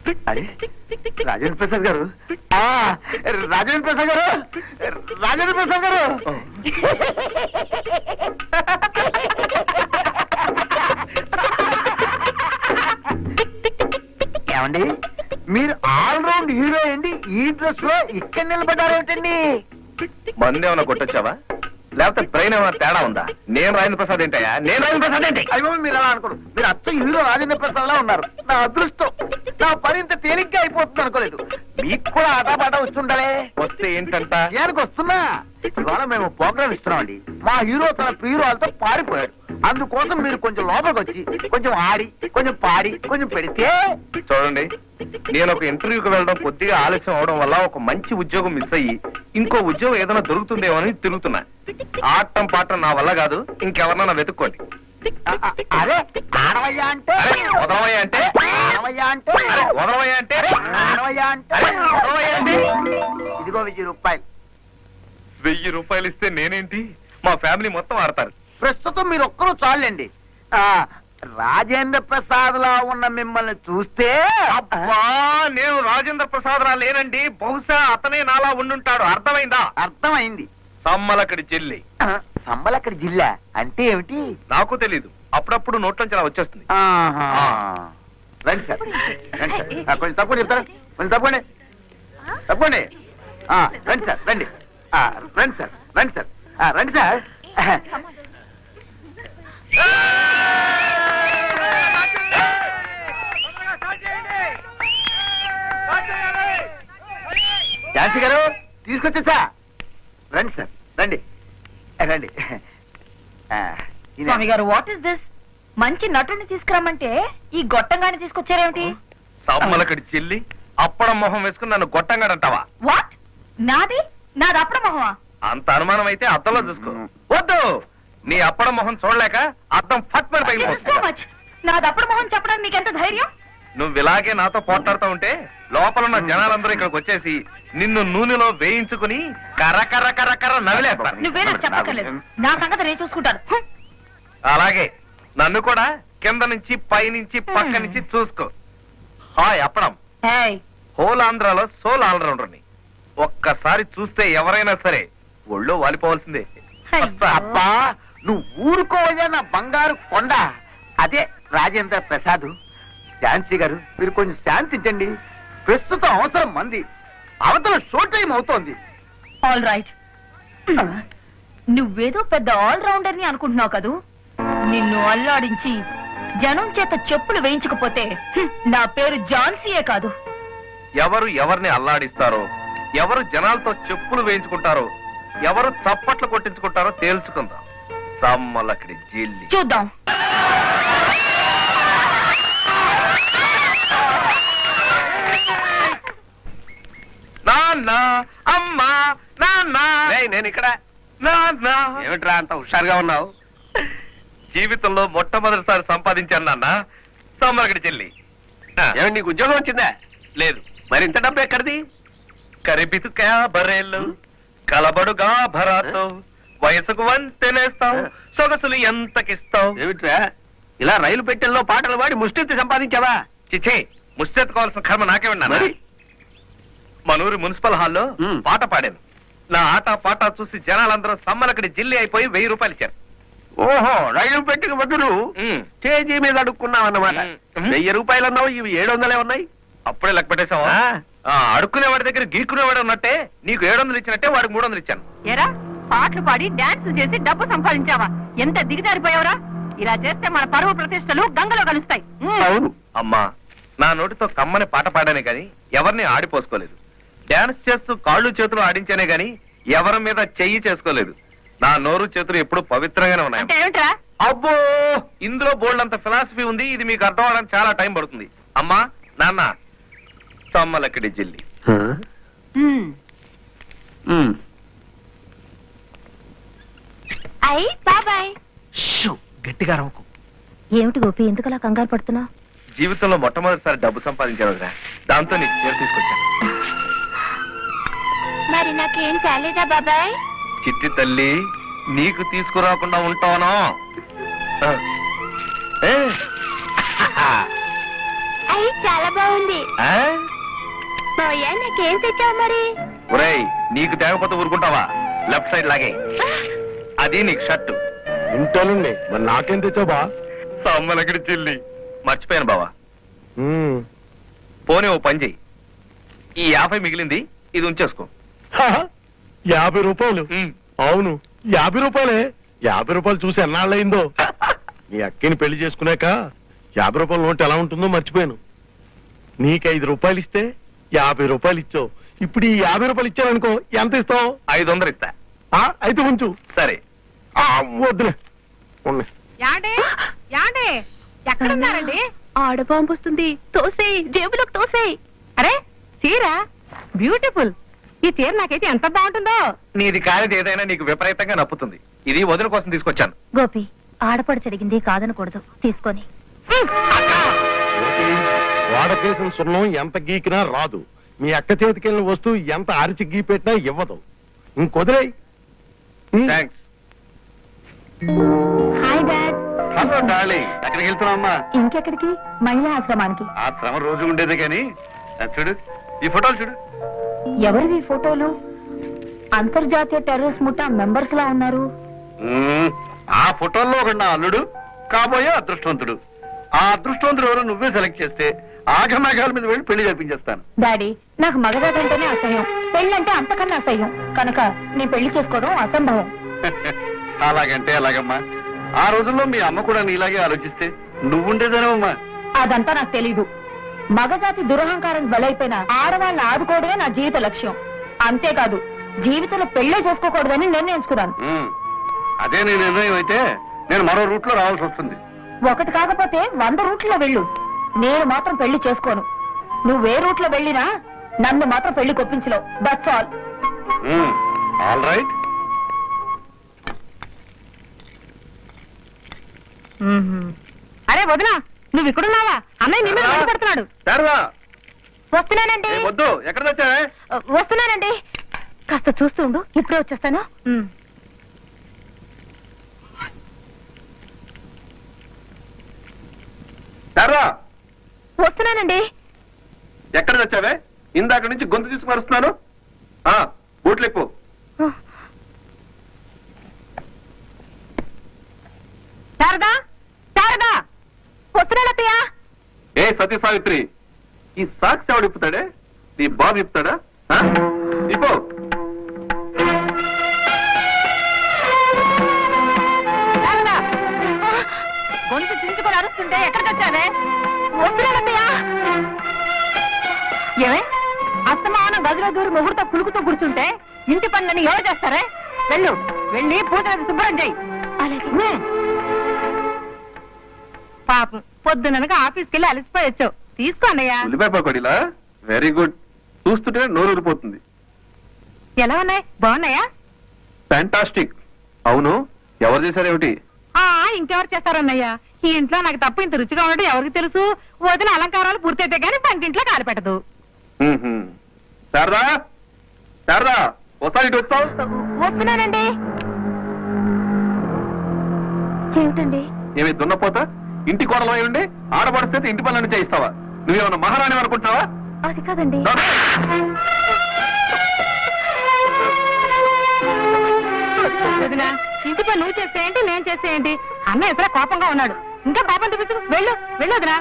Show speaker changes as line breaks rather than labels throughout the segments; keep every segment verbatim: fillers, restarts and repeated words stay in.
రాజేంద్ర ప్రసాద్ గారు, రాజేంద్ర ప్రసాద్ గారు, రాజేంద్ర ప్రసాద్ గారు. ఏమండి, మీరు ఆల్ రౌండ్ హీరో అండి, ఈ డ్రెస్ లో ఇక్కడ నిలబడ్డారేమిటండి?
మంది ఏమన్నా కొట్టొచ్చావా, లేకపోతే బ్రెయిన్ ఏమైనా తేడా ఉందా? నేను రాజేంద్ర ప్రసాద్ ఏంటయ్యా? నేను రాజేంద్ర ప్రసాద్ ఏంటి?
అయ్యో, మీరు అలా అనుకోరు. మీరు అచ్చ హీరో రాజేంద్ర ప్రసాద్ లా ఉన్నారు. నా అదృష్టం, నా పని ఇంత తేలిగ్గా అయిపోతుంది అనుకోలేదు. మీకు కూడా ఆటపాట వచ్చుండాలే.
వస్తే ఏంటంట?
ఏనికి వస్తున్నా, ఇవాళ మేము ప్రోగ్రామ్ ఇస్తున్నామండి. మా హీరో తన ప్రియురాలతో పారిపోయాడు. అందుకోసం మీరు కొంచెం లోపలికి వచ్చి కొంచెం ఆడి కొంచెం పాడి కొంచెం పెడితే.
చూడండి, నేను ఒక ఇంటర్వ్యూకి వెళ్ళడం కొద్దిగా ఆలస్యం అవడం వల్ల ఒక మంచి ఉద్యోగం మిస్ అయ్యి ఇంకో ఉద్యోగం ఏదైనా దొరుకుతుందేమో అని తిరుగుతున్నా. ఆటం పాటం నా వల్ల కాదు, ఇంకెవరన్నా వెతుక్కోండి.
అదే ఆడవయ్యా అంటే,
వదలవయ్యా అంటే,
ఆడవయ్యా అంటే,
వదలవయ్యా అంటే,
ఆడవయ్యా అంటే,
వదలవయ్యా అంటే.
ఇదిగో వెయ్యి రూపాయలు.
వెయ్యి రూపాయలు ఇస్తే నేనేంటి, మా ఫ్యామిలీ మొత్తం ఆడతారు.
ప్రస్తుతం మీరు ఒక్కరూ చాలండి. రాజేంద్ర ప్రసాద్ లా ఉన్న మిమ్మల్ని చూస్తే,
అబ్బా, నేను రాజేంద్ర ప్రసాద్ రా లేనండి. బహుశా అతనే నాలా ఉండుంటాడు. అర్థమైందా?
అర్థమైంది.
సమ్మలక్కడి చెల్లి.
సమ్మలక్కడి జిల్లా అంటే ఏమిటి?
నాకు తెలీదు, అప్పుడప్పుడు నోట్లోంచి అలా వచ్చేస్తుంది.
రండి సార్, రండి సార్. కొంచెం తప్పకుండా చెప్తారా? కొంచెం తప్పండి, తప్పండి. రండి సార్, రండి. రండి సార్, రండి సార్, రండి సార్. ఝాన్సీ గారు తీసుకొచ్చా. రండి సార్, రండి రండి.
స్వామి గారు, వాట్ ఇస్ దిస్? మంచి నటుని తీసుకురమ్మంటే ఈ గొట్టంగాని తీసుకొచ్చారేమిటి?
సమ్మలక్కడి చెల్లి అప్పడం మొహం వేసుకుని నన్ను గొట్టంగాడంటావా?
వాట్? నాది నాది అప్పడం మొహమా?
అంత అనుమానం అయితే అద్దంలో చూసుకో. వద్దు, నీ అప్పడం మొహం చూడలేక అద్దం ఫట్ మరి పైకి.
నాది అప్పడం మొహం చెప్పడానికి నీకెంత ధైర్యం?
నువ్వు ఇలాగే నాతో పోట్లాడుతూ ఉంటే లోపల ఉన్న జనాలందరూ ఇక్కడికి వచ్చేసి నిన్ను నూనెలో వేయించుకుని కర్ర కర్ర కర్ర కర్ర నవిలేస్తారు.
నువ్వేనా చెప్పక్కర్లేదు, నా సంగతి నేను చూసుకుంటాను.
అలాగే నన్ను కూడా కింద నుంచి పై నుంచి పక్క నుంచి చూసుకో. హాయ్ అప్పడం, హోల్ ఆంధ్రాలో సోల్ ఆల్రౌండర్ని. ఒక్కసారి చూస్తే ఎవరైనా సరే ఒళ్ళో వాలిపోవాల్సిందే.
అబ్బా, నువ్వు ఊరుకోవయ్యా నా బంగారు కొండ. అదే రాజేంద్ర ప్రసాద్. ఝాన్సీ గారు, మీరు కొంచెం శాంతించండి. ప్రస్తుతం అవసరం మంది, అవతల షో టైం అవుతోంది.
ఆల్ రైట్, నువ్వేదో పెద్ద ఆల్ రౌండర్ ని అనుకుంటున్నావు కదూ. నిన్ను అల్లాడించి జనం చేత చెప్పులు వేయించకపోతే నా పేరు ఝాన్సీయే కాదు.
ఎవరు ఎవరిని అల్లాడిస్తారో, ఎవరు జనాలతో చెప్పులు వేయించుకుంటారో, ఎవరు చప్పట్లు కొట్టించుకుంటారో తేల్చుకుందాం. సమ్మలక్కడి జిల్లి
చూద్దాం.
నాన్న, అమ్మా, నాన్న. నేను ఇక్కడ. నాన్న,
ఏమిట్రా అంత హుషారుగా ఉన్నావు?
జీవితంలో మొట్టమొదటిసారి సంపాదించాను నాన్న సమ్మలక్కడి చెల్లి.
ఏమిటి, నీకు ఉద్యోగం వచ్చిందా?
లేదు.
మరి ఇంత డబ్బు ఎక్కడిది?
కరిబితుకా బరేళ్ళు కలబడుగా భరాతో వయసుకు వంతెనేస్తావు, సొగసులు ఎంతకిస్తావు.
ఏమిట్రా ఇలా రైలు పెట్టెల్లో పాటలు పాడి ముష్టి సంపాదించావా?
చిచ్చే, ముష్టెత్తుకోవాల్సిన కర్మ నాకే ఉన్నాను. మనూరి మున్సిపల్ హాల్లో పాట పాడాను. నా ఆట పాట చూసి జనాలందరూ సమ్మలక్కడి జిల్లి అయిపోయి వెయ్యి రూపాయలు ఇచ్చారు.
ఓహో, రైలు పెట్టిన బదులు స్టేజీ మీద అడుక్కున్నావు అన్నమాట. వెయ్యి రూపాయలు అన్నావు, ఇవి ఏడు వందలే ఉన్నాయి.
అప్పుడే లెక్క పెట్టేశావా? అడుక్కునేవాడి దగ్గర గీక్కునేవాడు ఉన్నట్టే నీకు ఏడు వందలు ఇచ్చినట్టే వాడికి మూడు వందలు ఇచ్చాను.
ఏరా, పాటలు పాడి డాన్స్ చేసి డబ్బు సంపాదించావా? ఎంత దిగజారిపోయావరా? ఇలా చేస్తే మన పరువు ప్రతిష్టలు గంగలో కలుస్తాయి.
అవును
అమ్మా, నా నోటితో కమ్మని పాట పాడానే గాని ఎవరిని ఆడిపోసుకోలేదు. డాన్స్ చేస్తూ కాళ్ళు చేతులు ఆడించానే గాని ఎవరి మీద చెయ్యి చేసుకోలేదు. నా నోరు చేతులు ఎప్పుడు పవిత్రంగానే ఉన్నాయి. అబ్బో, ఇందులో బోల్డ్ అంత ఫిలాసఫీ ఉంది. ఇది మీకు అర్థం అవడానికి చాలా టైం పడుతుంది. అమ్మా, నాన్న, సమ్మలక్కడి జిల్లి.
అయ్యి బాబాయ్.
గట్టిగా రవ్వకు.
ఏమిటి గోపి, ఎందుకలా కంగారు పడుతున్నా?
జీవితంలో మొట్టమొదటిసారి డబ్బు సంపాదించాను కదా, దాంతో నీకు చీర తీసుకొచ్చాను.
మరి నాకేం కాలేదా బాబాయ్?
చిట్టి తల్లి, నీకు తీసుకురాకుండా ఉంటాను.
అయ్యి చాలా బాగుంది. ఉంది.
ఆ?
మావయ్య నాకేం తెచ్చావు మరి?
ఒరేయ్, నీకు తేగపోతే ఊరుకుంటావా? లెఫ్ట్ సైడ్ లాగే. అది నీకు షర్టు.
ఇంటానండి, మరి నాకేం తెచ్చావు బా?
సమ్మలకడి చిల్లి మర్చిపోయాను బావా. పోనీ ఓ పని చెయ్యి, ఈ యాభై మిగిలింది ఇది ఉంచేసుకో.
యాభై రూపాయలు? అవును, యాభై రూపాయలే. యాభై రూపాయలు చూసి ఎన్నాళ్ళయిందో. నీ అక్కని పెళ్లి చేసుకున్నాక యాభై రూపాయల నోట్ ఎలా ఉంటుందో మర్చిపోయాను. నీకు ఐదు రూపాయలు ఇస్తే యాభై రూపాయలు ఇచ్చావు. ఇప్పుడు ఈ యాభై రూపాయలు ఇచ్చాననుకో, ఎంత ఇస్తావు?
ఐదు వందలు ఇస్తా.
ఆ, అయితే ఉంచు.
సరే.
ఆ, వద్దులే, ఉన్నాయి.
యాండే యాండే ఎక్కడున్నారండి? ఆడబాంబు వస్తుంది, తోసేయి, జేబులోకి తోసేయి. అరే చీర బ్యూటిఫుల్. ఈ చీర నాకైతే ఎంత బాగుంటుందో.
నీది కానిది ఏదైనా నీకు విపరీతంగా నప్పుతుంది. ఇది వదిన కోసం తీసుకొచ్చాను.
గోపి, ఆడపడి చెడిగింది కాదనకూడదు, తీసుకొని.
వాడకేసిన సున్నం ఎంత గీకినా రాదు. మీ అక్క చేతికెళ్ళిన వస్తువు ఎంత అరిచి గీపెట్టినా ఇవ్వదు. ఇంకొదిలే.
Thanks.
Hi dad.
Hello darling, ఎక్కడికి వెళ్తున్నావమ్మా?
ఇంకెక్కడికి? మహిళా ఆశ్రమానికి.
ఆ శ్రమ రోజు ఉండేది కానీ చూడు, ఈ ఫోటోలు చూడు.
ఎవరివి ఫోటోలు? అంతర్జాతీయ టెర్రరిస్ట్ ముఠా మెంబర్స్ లా ఉన్నారు.
మ్మ్. ఆ ఫోటోల్లో ఒక నా అల్లుడు, కాబోయే అదృష్టవంతుడు. ఆ అదృష్టవంతుడు ఎవరో నువ్వే సెలెక్ట్ చేస్తే ఆఘమేఘాల మీద వెళ్ళి పెళ్లి జరిపించేస్తాను.
డాడీ, నాకు మగదాదంటేనే అసహ్యం, పెళ్ళంటే అంతకన్నా అసహ్యం. కనుక నేను పెళ్లి చేసుకోవడం అసంభవం.
అలాగంటే అలాగమ్మా. ఆ రోజుల్లో మీ అమ్మ కూడా నీలాగే ఆలోచిస్తే నువ్వుండేదేనమ్మా.
అదంతా నాకు తెలీదు. మగజాతి దురహంకారం బలైపోయిన ఆడవాళ్ళని ఆదుకోవడమే నా జీవిత లక్ష్యం. అంతేకాదు, జీవితంలో పెళ్లే చేసుకోకూడదని నిర్ణయించుకున్నాను.
మ్మ్. అదే నీ నిర్ణయం అయితే నేను మరో రూట్ లో రావాల్సి వస్తుంది.
ఒకటి కాకపోతే వంద రూట్లో వెళ్ళు, నేను మాత్రం పెళ్లి చేసుకోను. నువ్వే రూట్లో వెళ్ళినా నన్ను మాత్రం పెళ్లి కొప్పించలేవు. That's all.
All right.
అరే వదినా, నువ్వు ఇక్కడున్నావా? అన్నయ్య నిన్ను పెడుతున్నాడు.
శారదా,
వస్తున్నానండి.
ఏ వద్దు, ఎక్కడ తెచ్చావే?
వస్తున్నానండి, కాస్త చూస్తూ ఉండు, ఇప్పుడే వచ్చేస్తాను.
శారదా,
వస్తున్నానండి.
ఎక్కడ తెచ్చావే? ఇందాక నుంచి గొంతు తీసుకు మరుస్తున్నాను. ఆ, బూట్లు ఎక్కువ.
శారదా, శారదా, వస్తున్నానత్తయ్యా.
ఏ సతీ సావిత్రి, ఈ సాక్స్ ఎవడు ఇప్పుతాడే? నీ బాబు ఇప్పుతాడా? ఆ? ఇప్పు.
శారదా, గొంతు చించుకొని అరుస్తుంటే ఎక్కడికి వచ్చావే? వస్తున్నానత్తయ్యా. ఏమే, అస్తమానం గదిలో దూరి ముహూర్తం పులుకుతో కూర్చుంటే ఇంటి పనులని ఎవరు చేస్తారే? వెళ్ళు, వెళ్ళి పూజ శుభ్రం చెయ్యి. అలాగే. పాపం పొద్దుననగా ఆఫీస్కి వెళ్ళి అలసిపోయి వచ్చావు. తీసుకోండియా.
ఉల్లిపాయ పకోడీలా? Very good. చూస్తుంటే నోరు ఊరిపోతుంది.
ఎలా ఉన్నాయి? బాగున్నాయా?
ఫ్యాంటాస్టిక్. అవును, ఎవరు చేశారేమిటి?
ఆ ఇంకెవరు చేస్తారన్నయ్యా? ఈ ఇంట్లో నాకు తప్ప ఇంత రుచిగా ఉండడం ఎవరికి తెలుసు? వదిన అలంకారాలు పూర్తయితే గానీ పంకింట్లో కాలు పెట్టదు.
మ్మ్హ్మ్. శారదా, శారదా, ఒకసారి ఇటు వస్తావు?
వస్తున్నానండి. ఏమిటండి?
ఏమి దున్నపోతా? ఇంటి కోడలో ఉండి ఆడపడిస్తే ఇంటి పనులను చేయిస్తావా? నువ్వేమన్నా మహారాణి అనుకుంటున్నావా?
అది కాదండి. వదినా, ఇంటి పని నువ్వు చేస్తే ఏంటి, నేను చేస్తే ఏంటి? అన్న ఎక్కడ కోపంగా ఉన్నాడు. ఇంకా పాపం చూపించు. వెళ్ళు, వెళ్ళు వదినా.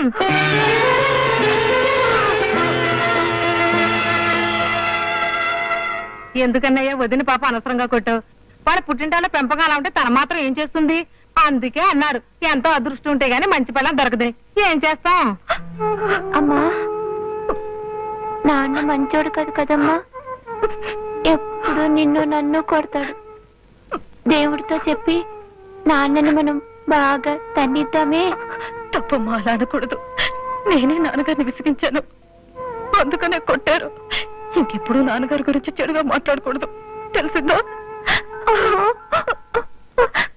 ఎందుకన్నయ్యా వదిన పాప అనవసరంగా కొట్టావు? వాళ్ళ పుట్టింటాలో పెంపకం అలా ఉంటే తన మాత్రం ఏం చేస్తుంది? అందుకే అన్నారు, ఎంతో అదృష్టం ఉంటే గానీ మంచి పిల్ల దొరకదు. ఏం చేస్తాం?
అమ్మా, నాన్న మంచోడు కాదు కదమ్మా. ఎప్పుడు నిన్ను నన్ను కొడతాడు. దేవుడితో చెప్పి నాన్నని మనం బాగా తన్నిద్దామే.
తప్పమ్మా, అలా అనకూడదు. నేనే నాన్నగారిని విసిగించాను, అందుకనే కొట్టారు. ఇంకెప్పుడు నాన్నగారి గురించి చెడుగా మాట్లాడకూడదు, తెలిసిందో?